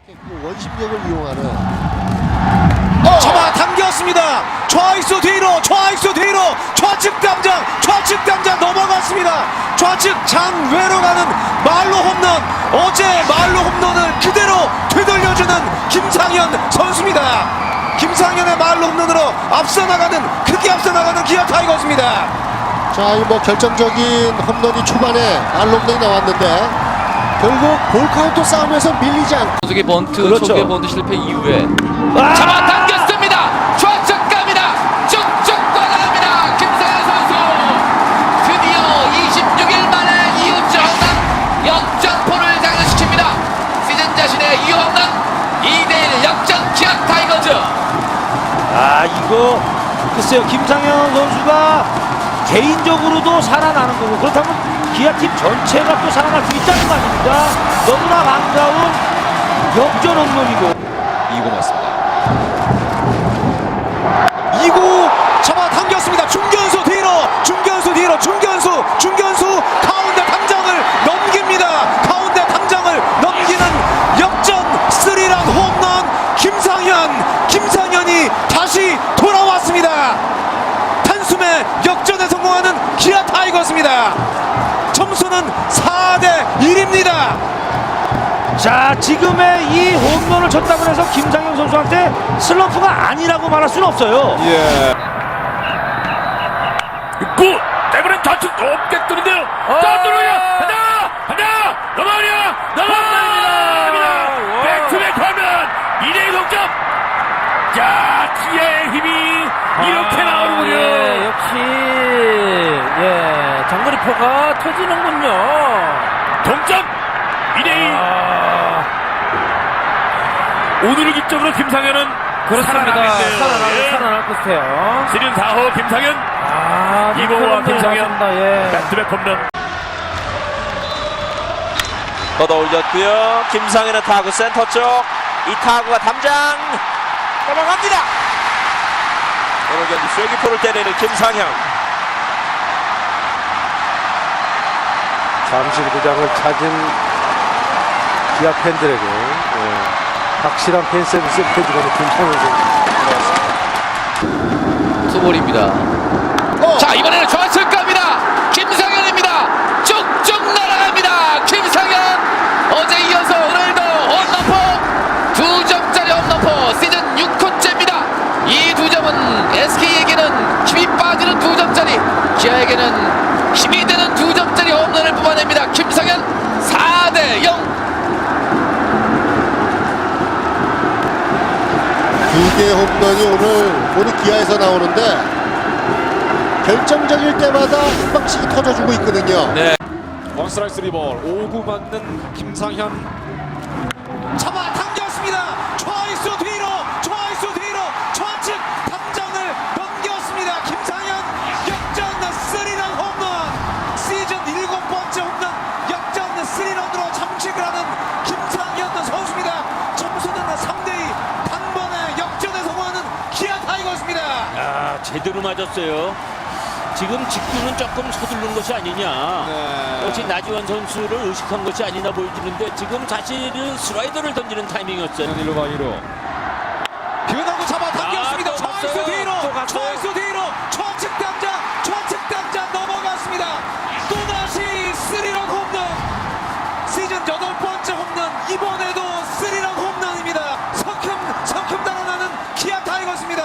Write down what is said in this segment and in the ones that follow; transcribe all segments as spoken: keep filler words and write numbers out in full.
원심력을 이용하는 어! 잡아 당겼습니다. 좌익수 뒤로 좌익수 뒤로 좌측 당장 좌측 당장 넘어갔습니다. 좌측 장외로 가는 말로 홈런. 어제 말로 홈런을 그대로 되돌려주는 김상현 선수입니다. 김상현의 말로 홈런으로 앞서 나가는 크게 앞서 나가는 기아 타이거즈입니다. 자, 이 뭐 결정적인 홈런이 초반에 알홈런이 나왔는데 결국 볼 카운트 싸움에서 밀리지 않고 초계 번트, 그렇죠. 초계 번트 실패 이후에 아! 잡아당겼습니다. 좌측 갑니다. 쭉쭉 뻗어갑니다. 김상현 선수 드디어 이십육 일 만에 이 홈런 역전포를 장식시킵니다. 시즌 자신의 이 홈런 이 대 일 역전 기아 타이거즈. 아, 이거 글쎄요, 김상현 선수가 개인적으로도 살아나는 거고 그렇다면 기아팀 전체가 또 살아날 수 있다는 거 아닙니까? 너무나 반가운 역전 홈런이고. 이 구 맞습니다. 이 구 잡아 당겼습니다. 중견수 뒤로 중견수 뒤로 중견수 중견수 가운데 담장을 넘깁니다. 가운데 담장을 넘기는 역전 스리런 홈런. 김상현 김상현이 다시 돌아왔습니다. 단숨에 역전에 성공하는 기아 타이거즈입니다. 점수는 사 대 일입니다. 자, 지금의 이 홈런을 쳤다고 해서 김상현 선수한테 슬럼프가 아니라고 말할 수는 없어요. 예. 구 대부분 좌측 높게 뜨는데요. 자, 들어야 하나 하나 넘어가냐 넘어갑니다. 백투백 홈런 이 대 일 동점. 자, 기아의 힘이 이렇게 나오는군요. 예, 역시 예, 장거리포가 터지는군요. 동점 이 대 일. 아, 오늘을 기점으로 김상현은 그렇습니다. 살아나겠네요. 살아날, 예. 살아날 것 같아요. 시즌 사 호 김상현 아, 이보와 김상현 예. 백투백 홈런. 걷어 올렸고요. 김상현의 타구 센터 쪽. 이 타구가 담장 넘어갑니다. 오늘 경기 쐐기포를 때리는 김상현. 잠실구장을 찾은 기아 팬들에게 예, 확실한 팬 서비스를 해주는 김상현 선수. 투볼입니다. 어. 자, 이번에는 좌측 갑니다. 김상현입니다. 쭉쭉 날아갑니다. 김상현 어제 이어서 오늘도 홈런포 두 점짜리 홈런포 시즌 육 호째입니다. 이 두 점은 에스케이에게는 힘이 빠지는 두 점짜리, 기아에게는 힘이 되는 두 점짜리 홈런을 뽑아냅니다. 김상현 사 대 영. 두 개의 홈런이 오늘 오늘 기아에서 나오는데 결정적일 때마다 한 방씩이 터져주고 있거든요. 네. 원스트라이크 쓰리볼 오 구 맞는 김상현 잡아 당겼습니다. 좌익수 뒤로 좌익수 뒤로 좌측 담장을 넘겼습니다. 김상현 역전 스리런 홈런. 시즌 일곱 번째 홈런 역전 스리런으로 장식을 하는 김상현 선수입니다. 점수는 삼 대 이. 단번에 역전에 성공하는 기아 타이거즈입니다. 아, 제대로 맞았어요. 지금 직구는 조금 서두른 것이 아니냐. 네. 역시 나지원 선수를 의식한 것이 아니나 보여지는데 지금 사실은 슬라이더를 던지는 타이밍이었어요. 일루 바이로 변화구 잡아 당겼습니다. 아, 또 좌익수 갔어요. 뒤로 또 갔어요. 좌익수 뒤로 좌측 당장 좌측 당장 넘어갔습니다. 또다시 스리런 홈런. 시즌 여덟 번째 홈런. 이번에도 스리런 홈런입니다. 석흠 석흠 달아나는 기아 타이거즈입니다.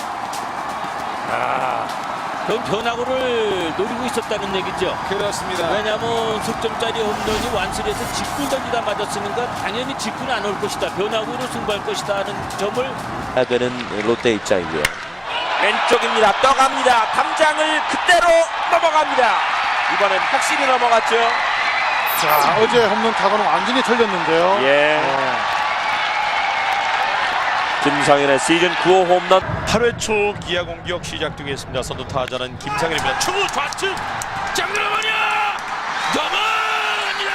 그럼 변화구를 노리고 있었다는 얘기죠. 그렇습니다. 왜냐하면 석점짜리 홈런이 완수해서 직구 던지다 맞았으니까 당연히 직구는 안 올 것이다. 변화구로 승부할 것이다 하는 점을 해야 되는 롯데 입장이고요. 왼쪽입니다. 떠갑니다. 담장을 그대로 넘어갑니다. 이번엔 확실히 넘어갔죠. 자, 어제 홈런 타구는 완전히 틀렸는데요. 예. 김상현의 시즌 구 호 홈런. 팔 회 초 기아 공격 시작되겠습니다. 선두 타자는 김상현입니다. 초구 좌측 장르마냐 넘어갑니다.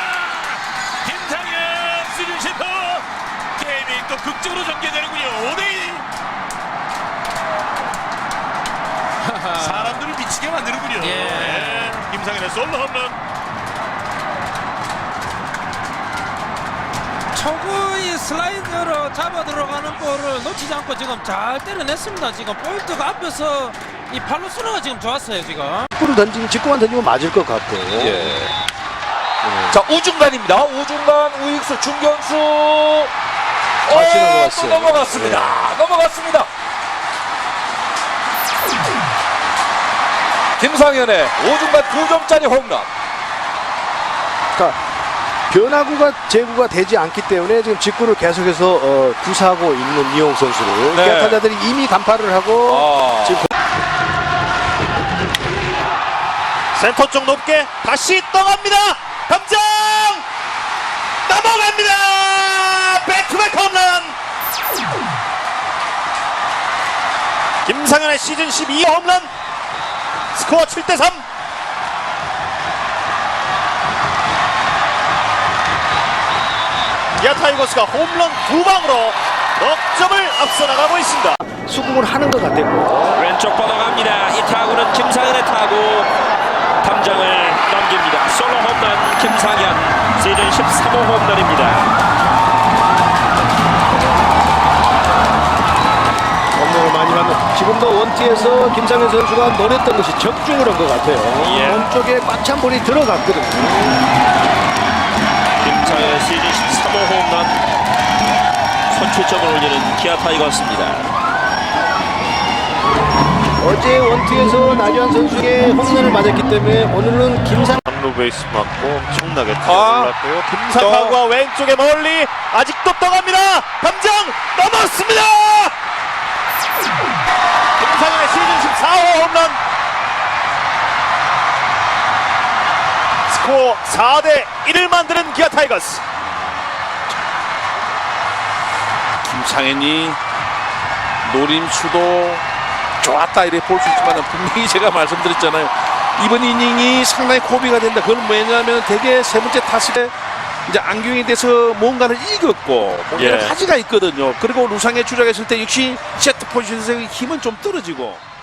김상현 시즌 십 호. 게임이 또 극적으로 전개되는군요. 오 대 이. 사람들을 미치게 만드는군요. 예. 예. 김상현의 솔로 홈런. 초구의 슬라이더 그 잡아 들어가는 볼을 놓치지 않고 지금 잘 때려냈습니다. 지금 포인트가 앞에서 이 발로 수나가 지금 좋았어요 지금. 축구를 던지면 직구만 던지면 맞을 것 같고. 예. 자 우중간입니다. 우중간 우익수 중견수. 다시 어, 넘어갔어요. 또 넘어갔습니다. 넘어갔습니다. 김상현의 오중간 두 점짜리 홈런. 그러니까 변화구가 제구가 되지 않기 때문에 지금 직구를 계속해서 어, 구사하고 있는 이용 선수를 네. 기아 타자들이 이미 간파를 하고 아. 지금 센터 쪽 높게 다시 떠갑니다. 담장 넘어갑니다. 백투백 홈런. 김상현의 시즌 십이 홈런. 스코어 칠 대 삼. 기아 타이거스가 홈런 두 방으로 넉 점을 앞서 나가고 있습니다. 수긍을 하는 것 같았고 왼쪽 뻗어갑니다. 이 타구는 김상현의 타구. 담장을 넘깁니다. 솔로 홈런 김상현 시즌 십삼 호 홈런입니다. 홈런을 많이 받는 지금도 원티에서 김상현 선수가 노렸던 것이 적중을 한 것 같아요. 예. 몸쪽에 꽉 찬 볼이 들어갔거든요. 김상현의 시즌 십삼 호 홈런 선취점을 올리는 기아 타이거스입니다. 어제 원투에서 나주환 선수의 홈런을 맞았기 때문에 오늘은 김상 삼루 베이스 맞고 엄청나게 아. 올랐고요. 김상하구가 왼쪽에 멀리 아직도 떠갑니다. 담장 넘었습니다. 김상현의 시즌 십사 호 홈런. 스코어 사 대 일을 만드는 기아 타이거스. 김상현이 노림수도 좋았다 이렇게 볼 수 있지만 분명히 제가 말씀드렸잖아요. 이번 이닝이 상당히 고비가 된다. 그건 뭐냐면 되게 세 번째 타석에 이제 안경에 대해서 뭔가를 읽었고 뭔가를 예. 가지가 있거든요. 그리고 루상에 주작했을 때 역시 세트 포지션에서 힘은 좀 떨어지고